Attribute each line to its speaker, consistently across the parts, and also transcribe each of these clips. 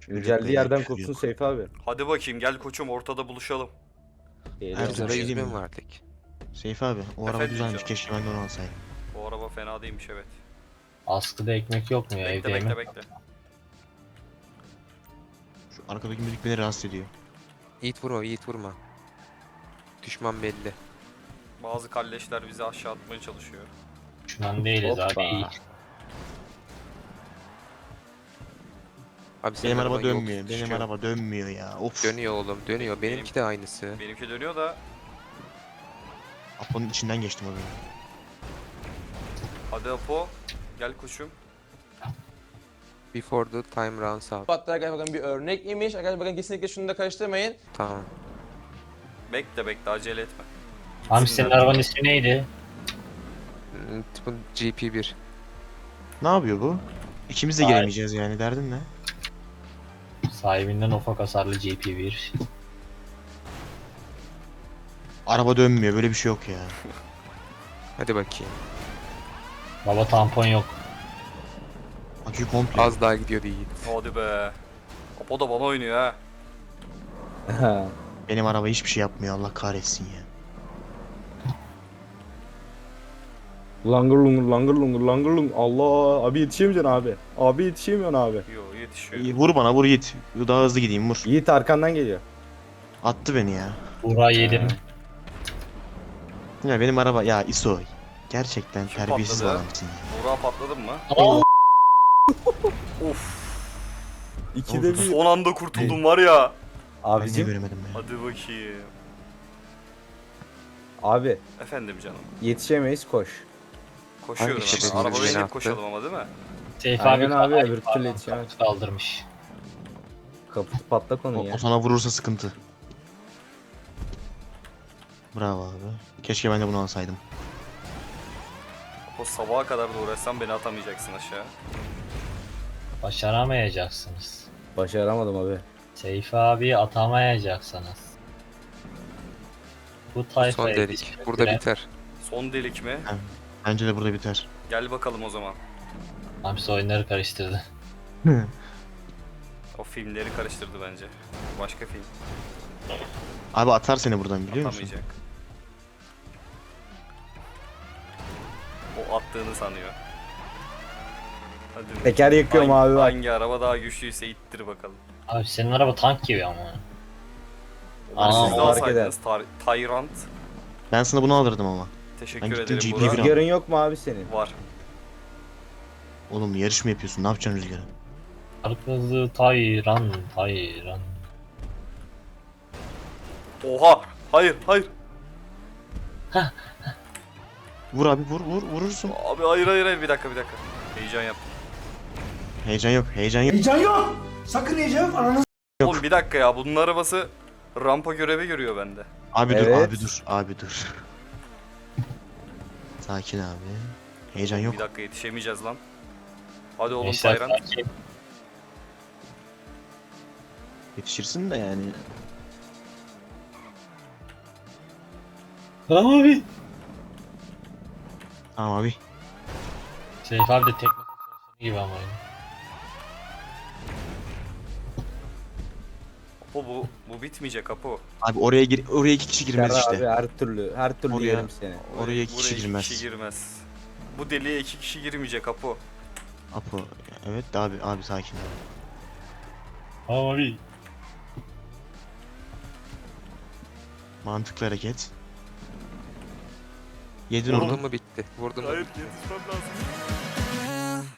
Speaker 1: Geldiği yerden kopsun Seyfi abi.
Speaker 2: Hadi bakayım gel koçum ortada buluşalım.
Speaker 3: Erzurum
Speaker 4: şey
Speaker 3: 100
Speaker 4: diyeyim
Speaker 3: bin
Speaker 4: mi?
Speaker 3: verdik.
Speaker 4: Seyfi abi o araba
Speaker 2: Efendim
Speaker 4: güzelmiş,
Speaker 2: canım?
Speaker 4: keşke ben de onu alsaydım.
Speaker 2: O araba fena değilmiş evet.
Speaker 5: Askıda ekmek yok mu ya,
Speaker 2: Bekle
Speaker 5: evde
Speaker 2: bekle
Speaker 5: yemek?
Speaker 2: bekle.
Speaker 4: Şu arkadaki müzik beni rahatsız ediyor.
Speaker 3: Yiğit vurma, Yiğit vurma. Düşman belli.
Speaker 2: Bazı kalleşler bizi aşağı atmaya çalışıyor.
Speaker 5: Düşman değiliz
Speaker 1: Hoppa.
Speaker 5: abi. iyi.
Speaker 3: Abi senin
Speaker 4: Benim araba
Speaker 3: araban yok,
Speaker 4: dönmüyor, benim
Speaker 3: düşüyor.
Speaker 4: araba dönmüyor ya. Of.
Speaker 3: Dönüyor oğlum, dönüyor. Benimki de aynısı.
Speaker 2: Benimki dönüyor da
Speaker 4: Apo'nun içinden geçtim abi.
Speaker 2: hadi Apo gel koçum.
Speaker 3: Before the time runs out.
Speaker 6: Hatta arkadaşlar bakın bir örnek imiş. Arkadaşlar bakın kesinlikle şunu da karıştırmayın.
Speaker 3: Tamam.
Speaker 2: Bekle bekle acele etme.
Speaker 5: Abi
Speaker 2: Gitsinler.
Speaker 5: senin arabanın ismi neydi?
Speaker 3: Bu GP1.
Speaker 4: Ne yapıyor bu? İkimiz de
Speaker 5: Ay.
Speaker 4: giremeyeceğiz yani, derdin ne?
Speaker 5: Sahibinden ufak hasarlı GP1.
Speaker 4: Araba dönmüyor, böyle bir şey yok ya.
Speaker 3: Hadi bakayım.
Speaker 5: Baba tampon yok.
Speaker 4: Akü komple.
Speaker 3: Az daha gidiyordu Yiğit.
Speaker 2: Hadi be. Apo da bana oynuyor ha.
Speaker 4: Benim araba hiçbir şey yapmıyor, Allah kahretsin ya.
Speaker 1: Langır lungur langır lungur langır lungur. Allah abi yetişemeyeceksin abi. Abi yetişemiyorsun abi.
Speaker 2: Yo yetişiyor.
Speaker 4: İyi, vur bana, vur Yiğit. Daha hızlı gideyim, vur.
Speaker 1: Yiğit arkandan geliyor.
Speaker 4: Attı beni ya.
Speaker 5: Buğra yedim.
Speaker 4: Ya benim araba, ya İso. Gerçekten
Speaker 2: Şu
Speaker 4: terbiyesiz
Speaker 2: patladı.
Speaker 4: adamsın ya.
Speaker 2: Buğra patladın mı? Of.
Speaker 1: İkide bir.
Speaker 2: Son anda kurtuldum var ya.
Speaker 4: Ben niye
Speaker 1: Abicim.
Speaker 4: göremedim ya?
Speaker 2: Hadi bakayım.
Speaker 1: Abi
Speaker 2: Efendim canım.
Speaker 1: yetişemeyiz koş.
Speaker 2: Koşuyorum
Speaker 3: Hangi
Speaker 2: ama.
Speaker 3: şerefsiz
Speaker 2: Araba
Speaker 3: beni
Speaker 2: binip
Speaker 3: attı?
Speaker 2: koşalım ama değil mi?
Speaker 5: Seyfi
Speaker 1: Aynen abi,
Speaker 5: Ay,
Speaker 1: öbür
Speaker 5: pardon,
Speaker 1: türlü yetişemez.
Speaker 5: kaputu kaldırmış.
Speaker 1: Kaputu patlak onun
Speaker 4: O,
Speaker 1: ya.
Speaker 4: o sana vurursa sıkıntı. Bravo abi. Keşke ben de bunu alsaydım.
Speaker 2: O sabaha kadar da uğraşsam beni atamayacaksın aşağı.
Speaker 5: Başaramayacaksınız.
Speaker 1: Başaramadım abi.
Speaker 5: Seyfi abi atamayacaksınız. Bu
Speaker 3: Son
Speaker 5: tayfayı
Speaker 3: delik. Burada biter.
Speaker 2: Son delik mi?
Speaker 4: Bence de burada biter.
Speaker 2: Gel bakalım o zaman.
Speaker 5: Hamsi oyunları karıştırdı.
Speaker 2: O filmleri karıştırdı bence. Başka film.
Speaker 4: Abi atar seni buradan, biliyor musun?
Speaker 2: Atamayacak. O attığını sanıyor. Hadi bakayım.
Speaker 1: Teker yakıyorum abi bak.
Speaker 2: Hangi araba daha güçlüyse ittir bakalım.
Speaker 5: Abi senin araba tank gibi ama.
Speaker 2: Siz de
Speaker 1: fark
Speaker 2: alsaydınız Tyrant.
Speaker 4: Ben sana bunu alırdım ama.
Speaker 2: Teşekkür
Speaker 4: Ben gittim
Speaker 2: ederim
Speaker 4: GP1
Speaker 2: Burak.
Speaker 4: aldım.
Speaker 1: Rüzgarın yok mu abi senin?
Speaker 2: Var.
Speaker 4: Oğlum yarış mı yapıyorsun? Ne yapacaksın rüzgarı?
Speaker 5: Arkası Tayran.
Speaker 2: Oha! Hayır, hayır.
Speaker 4: Vur abi, vurursun.
Speaker 2: Abi hayır bir dakika. Heyecan yaptım.
Speaker 4: Heyecan yok, heyecan yok.
Speaker 7: Heyecan yok. Sakın heyecan yok. Ananı
Speaker 2: Oğlum bir dakika ya bunun arabası rampa görevi görüyor bende.
Speaker 4: Abi dur,
Speaker 1: Evet.
Speaker 4: abi dur. Sakin abi. Heyecan yok.
Speaker 2: Bir dakika yetişemeyeceğiz lan. Hadi oğlum
Speaker 5: Gençler
Speaker 2: Tyrant.
Speaker 5: sakin.
Speaker 4: Yetişirsin de yani.
Speaker 5: Abi.
Speaker 4: Tamam abi.
Speaker 5: Seyfi abi de teknik çalışanı gibi ama.
Speaker 2: Apo bu bitmeyecek Apo.
Speaker 4: Abi oraya iki kişi girmez
Speaker 1: Serra
Speaker 4: işte.
Speaker 1: abi her türlü
Speaker 4: Oraya-
Speaker 1: yerim seni.
Speaker 4: Oraya iki
Speaker 2: Buraya
Speaker 4: kişi girmez.
Speaker 2: kişi girmez. Bu deliğe 2 kişi girmeyecek Apo.
Speaker 4: Apo. Evet de abi sakin.
Speaker 5: Abi.
Speaker 4: Mantıklı hareket. Yedin
Speaker 3: Vurdun
Speaker 4: onu.
Speaker 3: mu bitti. Vurdun mu?
Speaker 2: Hayır yetişmem lazım.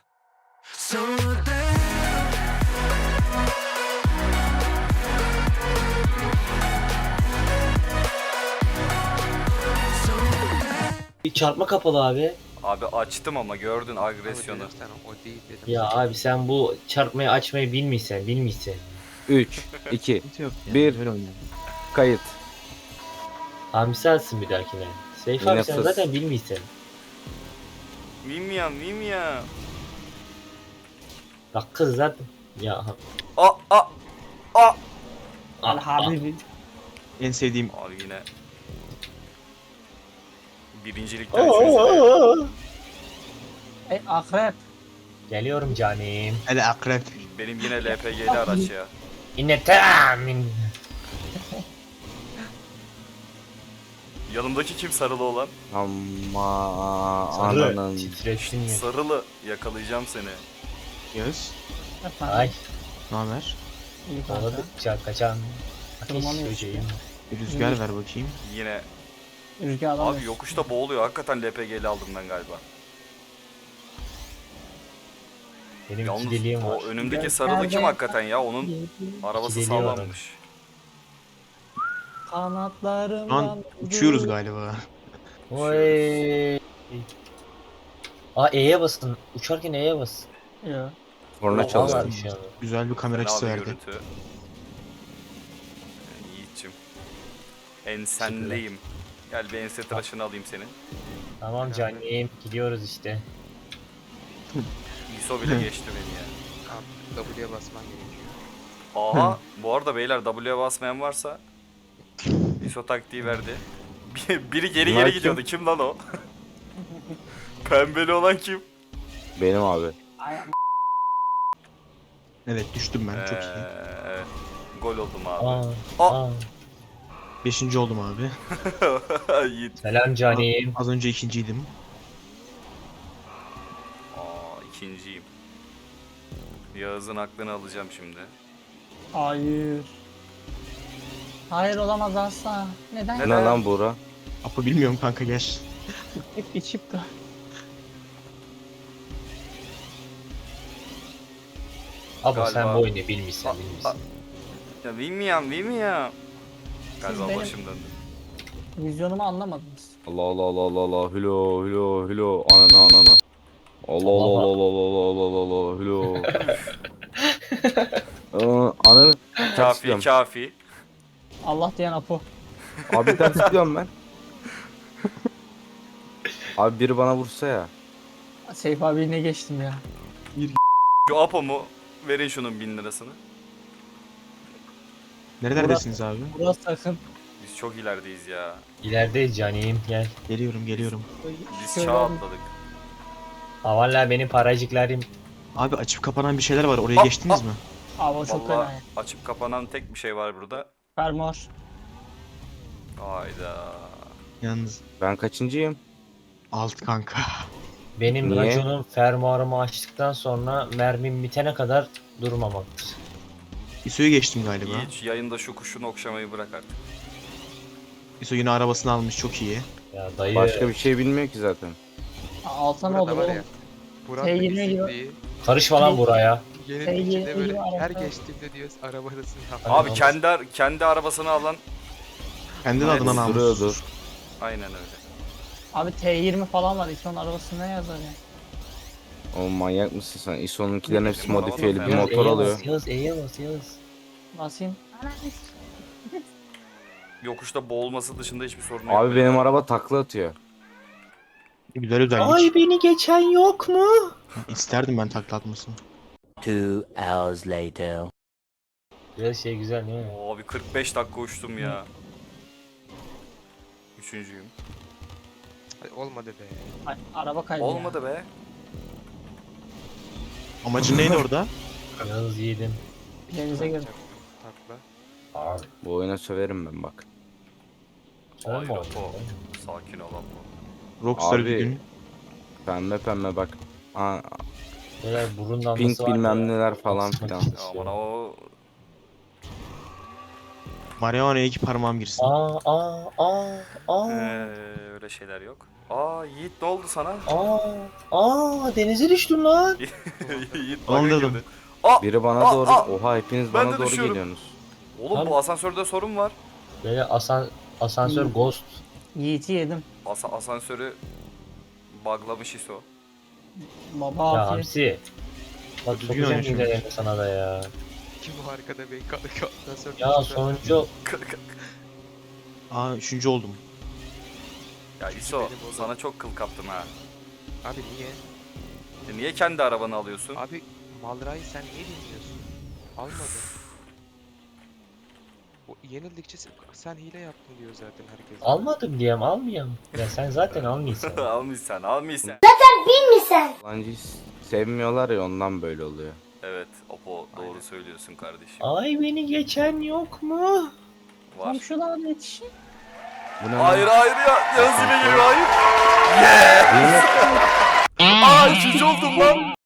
Speaker 8: Bir çarpma kapalı abi.
Speaker 2: Abi açtım ama gördün agresyonu.
Speaker 3: Abi dedim sana, o değil dedim.
Speaker 8: Ya abi sen bu çarpmayı açmayı bilmişsen.
Speaker 1: 3, 2,
Speaker 4: Sıkıntı yok ya.
Speaker 1: Bir.
Speaker 4: Böyle oynayalım.
Speaker 1: kayıt.
Speaker 8: Hamsi alsın bir dahakine. Seyfi
Speaker 1: Yine
Speaker 8: abi sen
Speaker 1: fıs.
Speaker 8: zaten bilmişsen.
Speaker 2: Mimya.
Speaker 8: Bak kız zaten. Ya
Speaker 2: Aa.
Speaker 8: abi.
Speaker 4: En sevdiğim
Speaker 2: Abi yine. Birincilikte üçüncüde.
Speaker 8: Geliyorum canım.
Speaker 4: hele akrep.
Speaker 2: Benim yine LPG'li araç ya.
Speaker 8: Yine tahmin.
Speaker 2: Yanımdaki kim sarılı olan?
Speaker 1: Ama
Speaker 8: Sarı.
Speaker 1: ananın.
Speaker 8: Titrettin mi?
Speaker 2: Sarılı yakalayacağım seni.
Speaker 4: Yağız.
Speaker 8: Ay.
Speaker 4: Ne haber?
Speaker 8: Kovaladıkça kaçan. Ateş böceğim.
Speaker 4: Bir rüzgar ver bakayım.
Speaker 2: Yine.
Speaker 7: Rüzgar
Speaker 2: Abi yokuşta boğuluyor. Hakikaten LPG'li aldım ben galiba.
Speaker 8: Benim
Speaker 2: Yalnız
Speaker 8: iki deliğim var.
Speaker 2: o önümdeki sarılı kim hakikaten ya? Onun arabası
Speaker 8: İki deliği var
Speaker 2: sağlammış.
Speaker 7: Kanatlarım.
Speaker 4: Şu an uçuyoruz galiba.
Speaker 8: Oy. Aa E'ye basın. Uçarken E'ye basın.
Speaker 7: Ya.
Speaker 1: Korna
Speaker 2: Oha.
Speaker 1: çalıyor.
Speaker 8: Var şu an.
Speaker 4: Güzel bir kamera açısı
Speaker 2: Fena bir
Speaker 4: verdi.
Speaker 2: görüntü. Yiğit'cim. Ensendeyim. Gel bir ense tıraşını alayım senin.
Speaker 8: Tamam canım. Gidiyoruz işte.
Speaker 2: ISO bile geçti beni ya.
Speaker 3: Abi W'ye basman gerekiyor.
Speaker 2: Aha bu arada beyler W'ye basmayan varsa ISO taktiği verdi. Biri geri
Speaker 1: Bunlar
Speaker 2: geri
Speaker 1: kim?
Speaker 2: gidiyordu. Kim lan o? Pembeli olan kim?
Speaker 1: Benim abi.
Speaker 4: Evet düştüm ben çok iyi.
Speaker 2: Evet. Gol oldum abi.
Speaker 8: Aa.
Speaker 2: Aa.
Speaker 8: Aa.
Speaker 4: 5. oldum abi.
Speaker 2: Yiğit.
Speaker 8: Selam canim.
Speaker 4: Az önce 2.'ydim.
Speaker 2: İkinciyim. Yağız'ın aklını alacağım şimdi.
Speaker 7: Hayır. Hayır olamaz asla. Neden?
Speaker 2: Neden?
Speaker 1: Ne lan Buğra?
Speaker 4: Apo bilmiyorum kanka gel.
Speaker 7: Hep içip de.
Speaker 8: Abi
Speaker 2: Galiba-
Speaker 8: sen bu oyunu bilmişsin
Speaker 2: Aa,
Speaker 8: bilmişsin.
Speaker 2: Ya bilmiyorum. Galiba
Speaker 7: benim-
Speaker 2: başım döndü.
Speaker 7: Vizyonumu anlamadınız.
Speaker 1: Allah Allah Allah Allah Allah. Hülo hülo hülo. Anana anana. Allah Allah Allah Allah Allah Allah Allah Allah. Hülo. Ananı.
Speaker 2: Kafi kafi.
Speaker 7: Allah diyen Apo.
Speaker 1: Abi ters gidiyorum ben. Abi biri bana vursa ya.
Speaker 7: Seyf abi ne geçtim ya.
Speaker 2: Şu Apo mu? Verin şunun 1000 lirasını.
Speaker 4: Neredesiniz abi?
Speaker 7: Burası sakın.
Speaker 2: Biz çok ilerideyiz ya.
Speaker 8: İlerideyiz canim gel.
Speaker 4: Geliyorum.
Speaker 2: Biz
Speaker 7: Şöyle
Speaker 2: çağ
Speaker 7: bir-
Speaker 2: atladık.
Speaker 8: Ha valla benim paracıklarım.
Speaker 4: Abi açıp kapanan bir şeyler var oraya
Speaker 2: Aa,
Speaker 4: geçtiniz mi?
Speaker 7: Abi o çok fena
Speaker 2: Vallahi
Speaker 7: ya.
Speaker 2: açıp kapanan tek bir şey var burada.
Speaker 7: Fermuar.
Speaker 2: Hayda.
Speaker 4: Yalnız
Speaker 1: Ben kaçıncıyım?
Speaker 4: alt kanka.
Speaker 8: Benim
Speaker 1: Niye?
Speaker 8: raconum fermuarımı açtıktan sonra mermim bitene kadar durmamaktır.
Speaker 4: İso'yu geçtim galiba.
Speaker 2: Hiç yayında şu kuşunu okşamayı bırak artık.
Speaker 4: İso yine arabasını almış çok iyi.
Speaker 8: Ya dayı
Speaker 1: Başka bir şey bilmiyor ki zaten.
Speaker 7: Alsa ne
Speaker 3: Burada
Speaker 7: olur
Speaker 3: var
Speaker 7: oğlum.
Speaker 3: ya. Burak
Speaker 7: T20
Speaker 3: da
Speaker 7: gibi-
Speaker 3: eksikliği.
Speaker 8: karışma lan buraya.
Speaker 3: Yerin
Speaker 7: T20
Speaker 3: içinde böyle
Speaker 7: gibi
Speaker 3: her
Speaker 7: araba.
Speaker 3: geçtiğimde diyoruz arabadasın.
Speaker 2: Abi
Speaker 8: olmaz.
Speaker 2: kendi arabasını alan
Speaker 4: Kendi
Speaker 2: Evet,
Speaker 4: adından almış.
Speaker 1: Duruyordur.
Speaker 2: aynen öyle.
Speaker 7: Abi T20 falan var. İlk onun arabasında ne yazar ya?
Speaker 1: O manyak mısın sen? ISO'nunkilerin hepsi
Speaker 2: Bizim araba
Speaker 1: modifiyeli
Speaker 2: da
Speaker 1: bir
Speaker 2: fena.
Speaker 1: motor alıyor.
Speaker 8: Yağız E'ye bas Yağız.
Speaker 7: Basayım.
Speaker 2: Yokuşta boğulması dışında hiçbir sorun yok.
Speaker 1: Abi benim araba takla atıyor.
Speaker 4: Güzel özellik.
Speaker 8: beni geçen yok mu?
Speaker 4: İsterdim ben takla atmasını.
Speaker 9: 2 hours later.
Speaker 8: Biraz şey güzel değil mi?
Speaker 2: Abi 45 dakika uçtum ya. Üçüncüyüm.
Speaker 3: Hadi olmadı be.
Speaker 7: Ay, araba kaydı ya.
Speaker 2: Olmadı be.
Speaker 4: Amacın neydi orada?
Speaker 8: Yağız yedim.
Speaker 7: Denize gir.
Speaker 3: Takla.
Speaker 8: Abi.
Speaker 1: Bu oyuna söverim ben bak.
Speaker 8: Sen
Speaker 2: Hayır
Speaker 8: mi
Speaker 2: Apo.
Speaker 8: aldın?
Speaker 2: Sakin ol Apo.
Speaker 4: Rockstar
Speaker 1: Abi,
Speaker 4: bir gün.
Speaker 1: Pembe pembe bak. Aa,
Speaker 8: Böyle burun damlası
Speaker 1: pink
Speaker 8: var ya.
Speaker 1: bilmem neler falan
Speaker 8: Asmak
Speaker 1: filan.
Speaker 8: için.
Speaker 2: Aman o
Speaker 4: Marihuana'ya iki parmağım girsin.
Speaker 8: Aa.
Speaker 2: öyle şeyler yok. Aa Yiğit ne oldu sana?
Speaker 8: Denize düştüm lan.
Speaker 2: Yiğit
Speaker 4: Aman
Speaker 2: bug'a
Speaker 4: dedim.
Speaker 2: girdi. Aa!
Speaker 1: Biri bana
Speaker 2: Aa,
Speaker 1: doğru...
Speaker 2: aa!
Speaker 1: Oha hepiniz
Speaker 2: Ben
Speaker 1: bana
Speaker 2: de
Speaker 1: doğru
Speaker 2: düşüyorum.
Speaker 1: geliyorsunuz.
Speaker 2: Oğlum
Speaker 8: Lan-
Speaker 2: bu asansörde sorun var.
Speaker 8: Böyle asansör ghost.
Speaker 7: Yiğit'i yedim.
Speaker 2: Asansörü buglamış ISO.
Speaker 7: Baba
Speaker 8: Ya
Speaker 7: afiyet.
Speaker 8: Hamsi. Bak
Speaker 4: Düzgün
Speaker 8: sokacağım
Speaker 4: oynuyor çünkü.
Speaker 8: hilelerini sana da ya.
Speaker 3: Kim bu arkada be? Ondan sonra
Speaker 8: Ya sonuncu
Speaker 4: Aa 3. oldum.
Speaker 2: Ya ISO
Speaker 3: benim oğlum.
Speaker 2: sana çok kıl kaptım ha.
Speaker 3: Abi niye?
Speaker 2: Niye kendi arabanı alıyorsun?
Speaker 3: Abi Malra'yı sen niye dinliyorsun? Almadı. O yenildikçe sen hile yaptın diyor zaten herkes.
Speaker 8: almadım diyem almayayım. Ya sen zaten almıyorsun.
Speaker 2: almışsan.
Speaker 1: Yalancıyı sevmiyorlar ya ondan böyle oluyor.
Speaker 2: Evet Apo söylüyorsun kardeşim.
Speaker 8: Ay beni geçen yok mu?
Speaker 2: Var.
Speaker 7: Tam şuradan yetişin.
Speaker 1: Bu ne?
Speaker 2: Hayır hayır ya. Yaz yine geliyor hayır.
Speaker 1: Yemek
Speaker 2: Aa 3. oldum lan.